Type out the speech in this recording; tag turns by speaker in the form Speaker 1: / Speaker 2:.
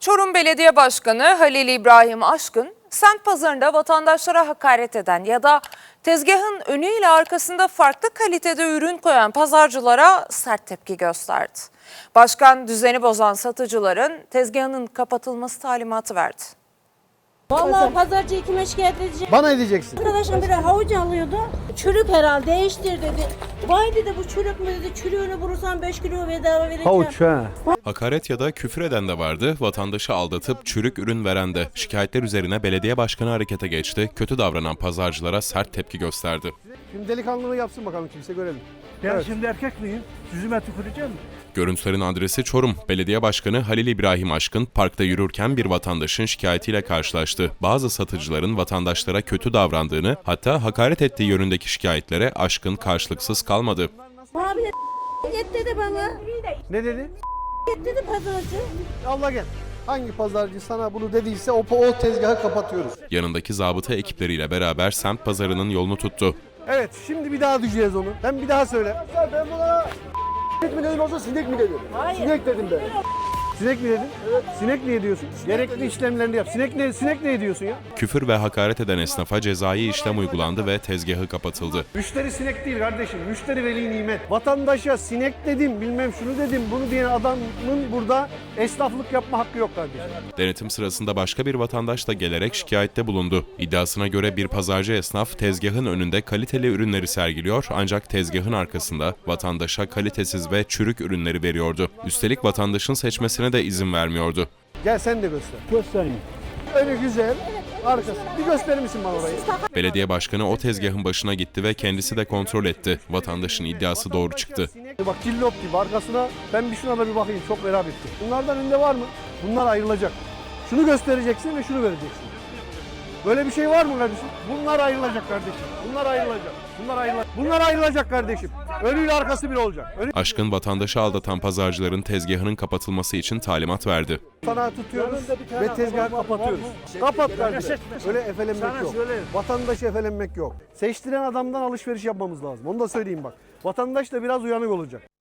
Speaker 1: Çorum Belediye Başkanı Halil İbrahim Aşkın, semt pazarında vatandaşlara hakaret eden ya da tezgahın önüyle arkasında farklı kalitede ürün koyan pazarcılara sert tepki gösterdi. Başkan düzeni bozan satıcıların tezgahının kapatılması talimatı verdi.
Speaker 2: Vallahi pazarcıyı kime şikayet edeceğim?
Speaker 3: Bana edeceksin.
Speaker 2: Arkadaşım biri havuç alıyordu. Çürük herhalde değiştir dedi. Vay dedi bu çürük mü dedi. Çürüğünü vurursan 5 kilo bedava vereceğim.
Speaker 3: Havuç ha.
Speaker 4: Hakaret ya da küfür eden de vardı, vatandaşı aldatıp çürük ürün veren de. Şikayetler üzerine belediye başkanı harekete geçti, kötü davranan pazarcılara sert tepki gösterdi.
Speaker 3: Şimdi delikanlılığı yapsın bakalım kimse görelim.
Speaker 5: Ben
Speaker 3: Evet.
Speaker 5: şimdi erkek miyim? Yüzüme tüküreceğim mi?
Speaker 4: Görüntülerin adresi Çorum. Belediye Başkanı Halil İbrahim Aşkın parkta yürürken bir vatandaşın şikayetiyle karşılaştı. Bazı satıcıların vatandaşlara kötü davrandığını, hatta hakaret ettiği yönündeki şikayetlere Aşkın karşılıksız kalmadı.
Speaker 2: Abi de git dedi bana.
Speaker 3: Ne dedi?
Speaker 2: Git dedi pazarcı.
Speaker 3: Allah gel. Hangi pazarcı sana bunu dediyse o tezgahı kapatıyoruz.
Speaker 4: Yanındaki zabıta ekipleriyle beraber semt pazarının yolunu tuttu.
Speaker 3: Evet şimdi bir daha düşeceğiz onu. Ben bir daha söyle. Ben buna sinek mi dedim olsa sinek mi dedim?
Speaker 2: Hayır.
Speaker 3: Sinek dedim ben. Sinek mi dedin? Evet. Sinek niye diyorsun? Gerekli işlemlerini yap. Sinek ne diyorsun ya?
Speaker 4: Küfür ve hakaret eden esnafa cezai işlem uygulandı ve tezgahı kapatıldı.
Speaker 3: Müşteri sinek değil kardeşim. Müşteri veli nimet. Vatandaşa sinek dedim, bilmem şunu dedim, bunu diyen adamın burada esnaflık yapma hakkı yok kardeşim.
Speaker 4: Denetim sırasında başka bir vatandaş da gelerek şikayette bulundu. İddiasına göre bir pazarcı esnaf tezgahın önünde kaliteli ürünleri sergiliyor ancak tezgahın arkasında vatandaşa kalitesiz ve çürük ürünleri veriyordu. Üstelik vatandaşın seçmesine de izin vermiyordu.
Speaker 3: Gel sen de göster.
Speaker 5: Göstereyim.
Speaker 3: Öyle güzel. Arkası. Bir gösterir misin bana orayı?
Speaker 4: Belediye başkanı o tezgahın başına gitti ve kendisi de kontrol etti. Vatandaşın iddiası doğru çıktı.
Speaker 3: Bak cillop gibi arkasına ben şuna da bir bakayım çok merak ettim. Bunlardan önünde var mı? Bunlar ayrılacak. Şunu göstereceksin ve şunu vereceksin. Böyle bir şey var mı kardeşim? Bunlar ayrılacak kardeşim. Bunlar ayrılacak. Bunlar ayrılacak kardeşim. Önüyle arkası bir olacak.
Speaker 4: Aşkın vatandaşı aldatan pazarcıların tezgahının kapatılması için talimat verdi.
Speaker 3: Sana tutuyoruz ve tezgahı kapatıyoruz. Kapat kardeşim. Öyle efelenmek yok. Vatandaşı efelenmek yok. Seçtiren adamdan alışveriş yapmamız lazım. Onu da söyleyeyim bak. Vatandaş da biraz uyanık olacak.